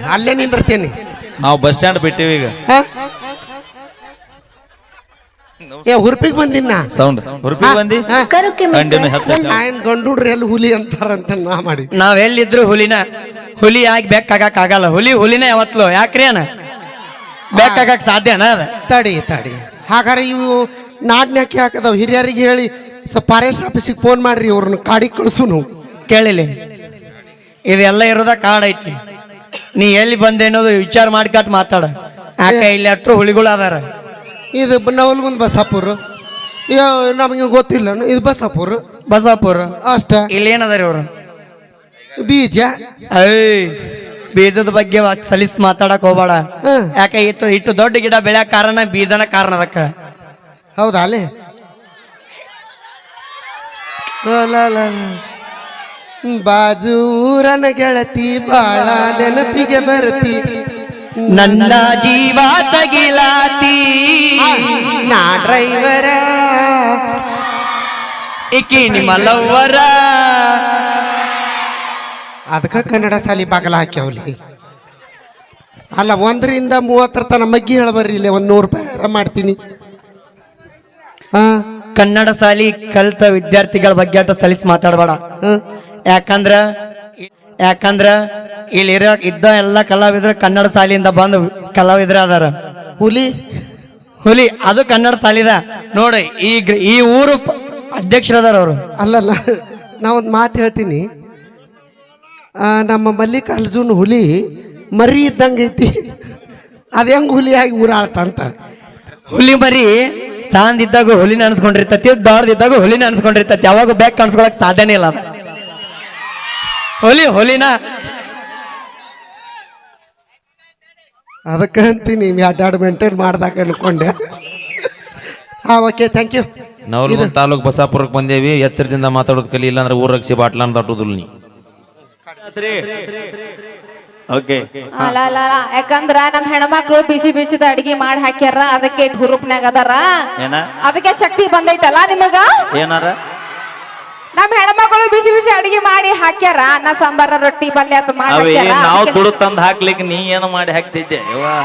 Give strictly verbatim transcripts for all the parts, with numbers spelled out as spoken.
ಅಲ್ಲೇ ನಿಂದಿರ್ತೇನೆ. ನಾವು bus stand ಬಿಟ್ಟಿವಿ ಈಗ. ಏ ಹುರ್ಪಿಗೆ ಬಂದಿನ ಸೌಂಡ್ ಹುರ್ಪಿಗೆ ಬಂದಿ ಕಂಡಿನ ಹೆಚ್ಚ ಆಯನ್ ಗಂಡುಡ್ರಿ ಎಲ್ಲಿ ಹುಲಿ ಅಂತಾರಂತ ನಾ ಮಾಡಿ. ನಾವ್ ಎಲ್ಲಿದ್ರು ಹುಲಿನ ಹುಲಿ ಆಗಿ ಬೆಕ್ಕಾಗಕ್ ಆಗಲ್ಲ. ಹುಲಿ ಹುಲಿನ ಯಾವತ್ಲು ಯಾಕ್ರಿ ಅಣ್ಣ ಬೆಕ್ಕಾಗಕ್ ಸಾಧ್ಯನ ಅದ. ತಡಿ ತಡಿ ಹಾಗಾದ್ರೆ ಇವು ನಾಡ್ನ್ಯಾಕೆ ಹಾಕದವ್ ಹಿರಿಯರಿಗೆ ಹೇಳಿ ಸ್ವಲ್ಪ ಫಾರೆಸ್ಟ್ ಆಫೀಸಿಗೆ ಫೋನ್ ಮಾಡ್ರಿ ಅವ್ರನ್ನ ಕಾಡಿಗೆ ಕಳ್ಸುನು. ಕೇಳಿಲಿ ಇದೆಲ್ಲ ಇರೋದ ಕಾಡ್ ಐತಿ. ನೀ ಎಲ್ಲಿ ಬಂದೆ ಅನ್ನೋದು ವಿಚಾರ ಮಾಡ್ಕಟ್ ಮಾತಾಡ. ಯಾಕೆ ಇಲ್ಲಿ ಅಟ್ರು ಹುಲಿಗಳು ಅದಾರ. ಇದು ನವಲ್ಗುಂದ್ ಬಸಾಪುರ ನಮಗೆ ಗೊತ್ತಿಲ್ಲ. ಇದು ಬಸಾಪುರ ಬಸಾಪುರ ಅಷ್ಟ. ಇಲ್ಲಿ ಏನದಾರಿ ಅವ್ರು ಬೀಜ ಐ ಬೀಜದ ಬಗ್ಗೆ ಸಲೀಸ್ ಮಾತಾಡಕ್ ಹೋಗ್ಬೇಡ. ಯಾಕೆ ಇಟ್ಟು ಇಟ್ಟು ದೊಡ್ಡ ಗಿಡ ಬೆಳೆಯಕ್ ಕಾರಣ ಬೀಜನ ಕಾರಣ ಅದಕ್ಕ. ಹೌದಾ ಅಲ್ಲಿ ಬಾಜೂರನ ಗೆಳತಿ ಬಾಳ ನೆನಪಿಗೆ ಬರ್ತಿ ನನ್ನ ಜೀವ ತಗಿಲಾತಿ ನಾ ಡ್ರೈವರ ಇಕಿ ನಿಮ್ಮ ಲವ್ವರ. ಅದಕ್ಕ ಕನ್ನಡ ಸಾಲಿ ಬಾಗಲ ಹಾಕ್ಯಾವಲಿ. ಅಲ್ಲ ಒಂದರಿಂದ ಮೂವತ್ತರ ತನ ಮಗ್ಗಿ ಹೇಳಬರ್ರಿ ಇಲ್ಲಿ ಒಂದ್ ನೂರು ರೂಪಾಯಿ ಮಾಡ್ತೀನಿ. ಹಾ ಕನ್ನಡ ಶಾಲಿ ಕಲ್ತ ವಿದ್ಯಾರ್ಥಿಗಳ ಬಗ್ಗೆ ಅಟ ಸಲೀಸ್ ಮಾತಾಡಬೇಡ. ಯಾಕಂದ್ರ ಯಾಕಂದ್ರ ಇಲ್ಲಿರೋ ಇದ್ದ ಎಲ್ಲ ಕಲಾವಿದ್ರು ಕನ್ನಡ ಶಾಲೆಯಿಂದ ಬಂದು ಕಲಾವಿದ್ರ ಅದಾರ. ಹುಲಿ ಹುಲಿ ಅದು ಕನ್ನಡ ಶಾಲಿದ ನೋಡಿ. ಈ ಈ ಊರು ಅಧ್ಯಕ್ಷರದಾರ ಅವರು. ಅಲ್ಲಲ್ಲ ನಾವೊಂದು ಮಾತು ಹೇಳ್ತೀನಿ. ನಮ್ಮ ಮಲ್ಲಿಕಾರ್ಜುನ್ ಹುಲಿ ಮರಿ ಇದ್ದಂಗೆ ಐತಿ. ಅದ ಹೆಂಗ್ ಹುಲಿ ಆಗಿ ಊರಾಳ್ತಂತ. ಹುಲಿ ಮರಿ ಸಾಂದ್ ಇದ್ದಾಗ ಹುಲಿನ ಅನ್ಸ್ಕೊಂಡಿರ್ತತಿ, ದೊಡ್ಡದಿದ್ದಾಗ ಹುಲಿನ ಅನ್ಸ್ಕೊಂಡಿರ್ತತಿ. ಯಾವಾಗ ಬ್ಯಾಗ್ ಕಾಣಿಸ್ಕೊಳಕ್ ಸಾಧ್ಯನೇ ಇಲ್ಲ. ಅದ ಹುಲಿ ಹುಲಿನ ಅದಕ್ಕೆ ಅಂತೀನಿ ಎರಡು ಮೇಂಟೈನ್ ಮಾಡ್ದಾಗ ಅನ್ಕೊಂಡೆ. ಹಾ okay thank you. Navalgund taluk ಬಸಾಪುರಕ್ಕೆ ಬಂದೇವಿ. ಎಚ್ಚರದಿಂದ ಮಾತಾಡೋದು ಕಲಿ, ಇಲ್ಲ ಅಂದ್ರೆ ಊರ್ ರಕ್ಷಿ ಬಾಟ್ಲ ಅಂತ ಅಟ್ಟುದಿಲ್ಲ ನೀ. ಅಲ್ಲ ಅಲ್ಲ ಯಾಕಂದ್ರ ನಮ್ ಹೆಣ್ಮಕ್ಳು ಬಿಸಿ ಬಿಸಿದ ಅಡಿಗೆ ಮಾಡಿ ಹಾಕ್ಯಾರ. ಅದಕ್ಕೆ ಹುರುಪ್ನಾಗ ಅದಾರ. ಅದಕ್ಕೆ ಶಕ್ತಿ ಬಂದೈತಲ್ಲ ನಿಮಗ. ಏನಾರ ನಮ್ ಹೆಣ್ಮಕ್ಳು ಬಿಸಿ ಬಿಸಿ ಅಡಿಗೆ ಮಾಡಿ ಹಾಕ್ಯಾರ. ಅನ್ನ ಸಾಂಬಾರ ರೊಟ್ಟಿ ಪಲ್ಯ ಅಂತ ಮಾಡಿ ನಾವು ದುಡ್ಡು ತಂದು ಹಾಕ್ಲಿಕ್ಕೆ ನೀ ಏನು ಮಾಡಿ ಹಾಕ್ತಿದ್ದೆ.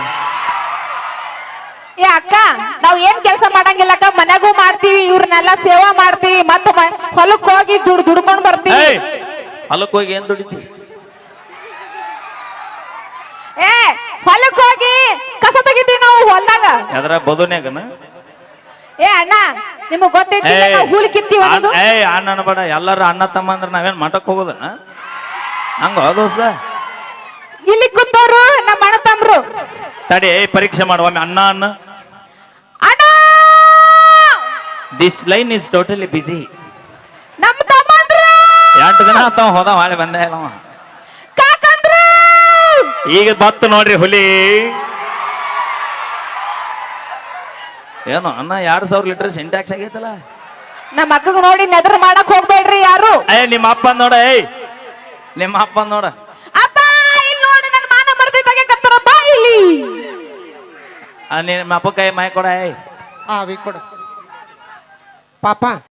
ಏ ಅಕ್ಕ ನಾವ್ ಏನ್ ಕೆಲಸ ಮಾಡಂಗಿಲ್ಲ ಅಕ್ಕ. ಮನೆಗೂ ಮಾಡ್ತೀವಿ, ಇವ್ರನ್ನೆಲ್ಲ ಸೇವಾ ಮಾಡ್ತೀವಿ, ಮತ್ತ ಹೊಲಕ್ ಹೋಗಿ ದುಡ್ ದುಡ್ಕೊಂಡ್ ಬರ್ತೀವಿ. ಹೊಲಕ್ ಹೋಗಿ ಏನ್ ದುಡಿತಿ? ಏ ಹೊಲಕ್ ಹೋಗಿ ಕಸ ತೆಗಿತೀವಿ ನಾವು ಹೊಲ್ದಾಗ. ಅದ್ರ ಬದುನ್ಯಾಗನ ಏ ಅಣ್ಣ ನಿಮಗ್ ಗೊತ್ತೈತಿ ನಾವು ಹೂಲ್ ಕಿತ್ತೀವಿ ಅನ್ನೋದು. ಏ ಅಣ್ಣ ಬೇಡ, ಎಲ್ಲಾರು ಅಣ್ಣ ತಮ್ಮ ಅಂದ್ರೆ ನಾವೇನ್ ಮಠಕ್ ಹೋಗೋದನ ಹಂಗ ದೋಸ್ತ. ಇಲ್ಲಿ ಕೂತವ್ರು ನಮ್ಮ ಅಣ್ಣ ತಮ್ರು. ತಡಿ ಪರೀಕ್ಷೆ ಮಾಡುವ ಅಣ್ಣ ಅಣ್ಣ ಅಣ್ಣ this line is totally busy. ನಮ್ಮ ತಮ್ಮಂದ್ರು ಎಂಟು ದಿನ ಆತಾವ ಹೋದ ಹಾಳೆ ಬಂದೇ ಇಲ್ಲವ. ಕಾಕಂದ್ರು ಈಗ ಬತ್ತು ನೋಡ್ರಿ ಹುಲಿ. ಏನು ಅನ್ನ ಎರಡ್ ಸಾವಿರ ಲೀಟರ್ ಸಿಂಟ್ಯಾಕ್ಸ್ ಆಗೈತಲ್ಲ. ನಮ್ಮ ಅಕ್ಕಗ್ ನೋಡಿ ನೆದರ್ ಮಾಡಕ್ ಹೋಗ್ಬೇಡ್ರಿ ಯಾರು. ಏ ನಿಮ್ಮ ಅಪ್ಪ ನೋಡ. ಏಯ್ ನಿಮ್ಮ ಅಪ್ಪ ನೋಡ. ಅಪ್ಪ ಇಲ್ಲಿ ನೋಡಿ ನನ್ನ ಮಾನ ಮರ್ದಿದ್ದಾಗೆ ಕತ್ತರ ಬಾ ಇಲ್ಲಿ. ನಿಮ್ಮ ಅಪ್ಪ ಕೈ ಮೈ ಕೊಡ. ಏಯ್ ಆ ವಿ ಕೊಡ ಪಾಪ.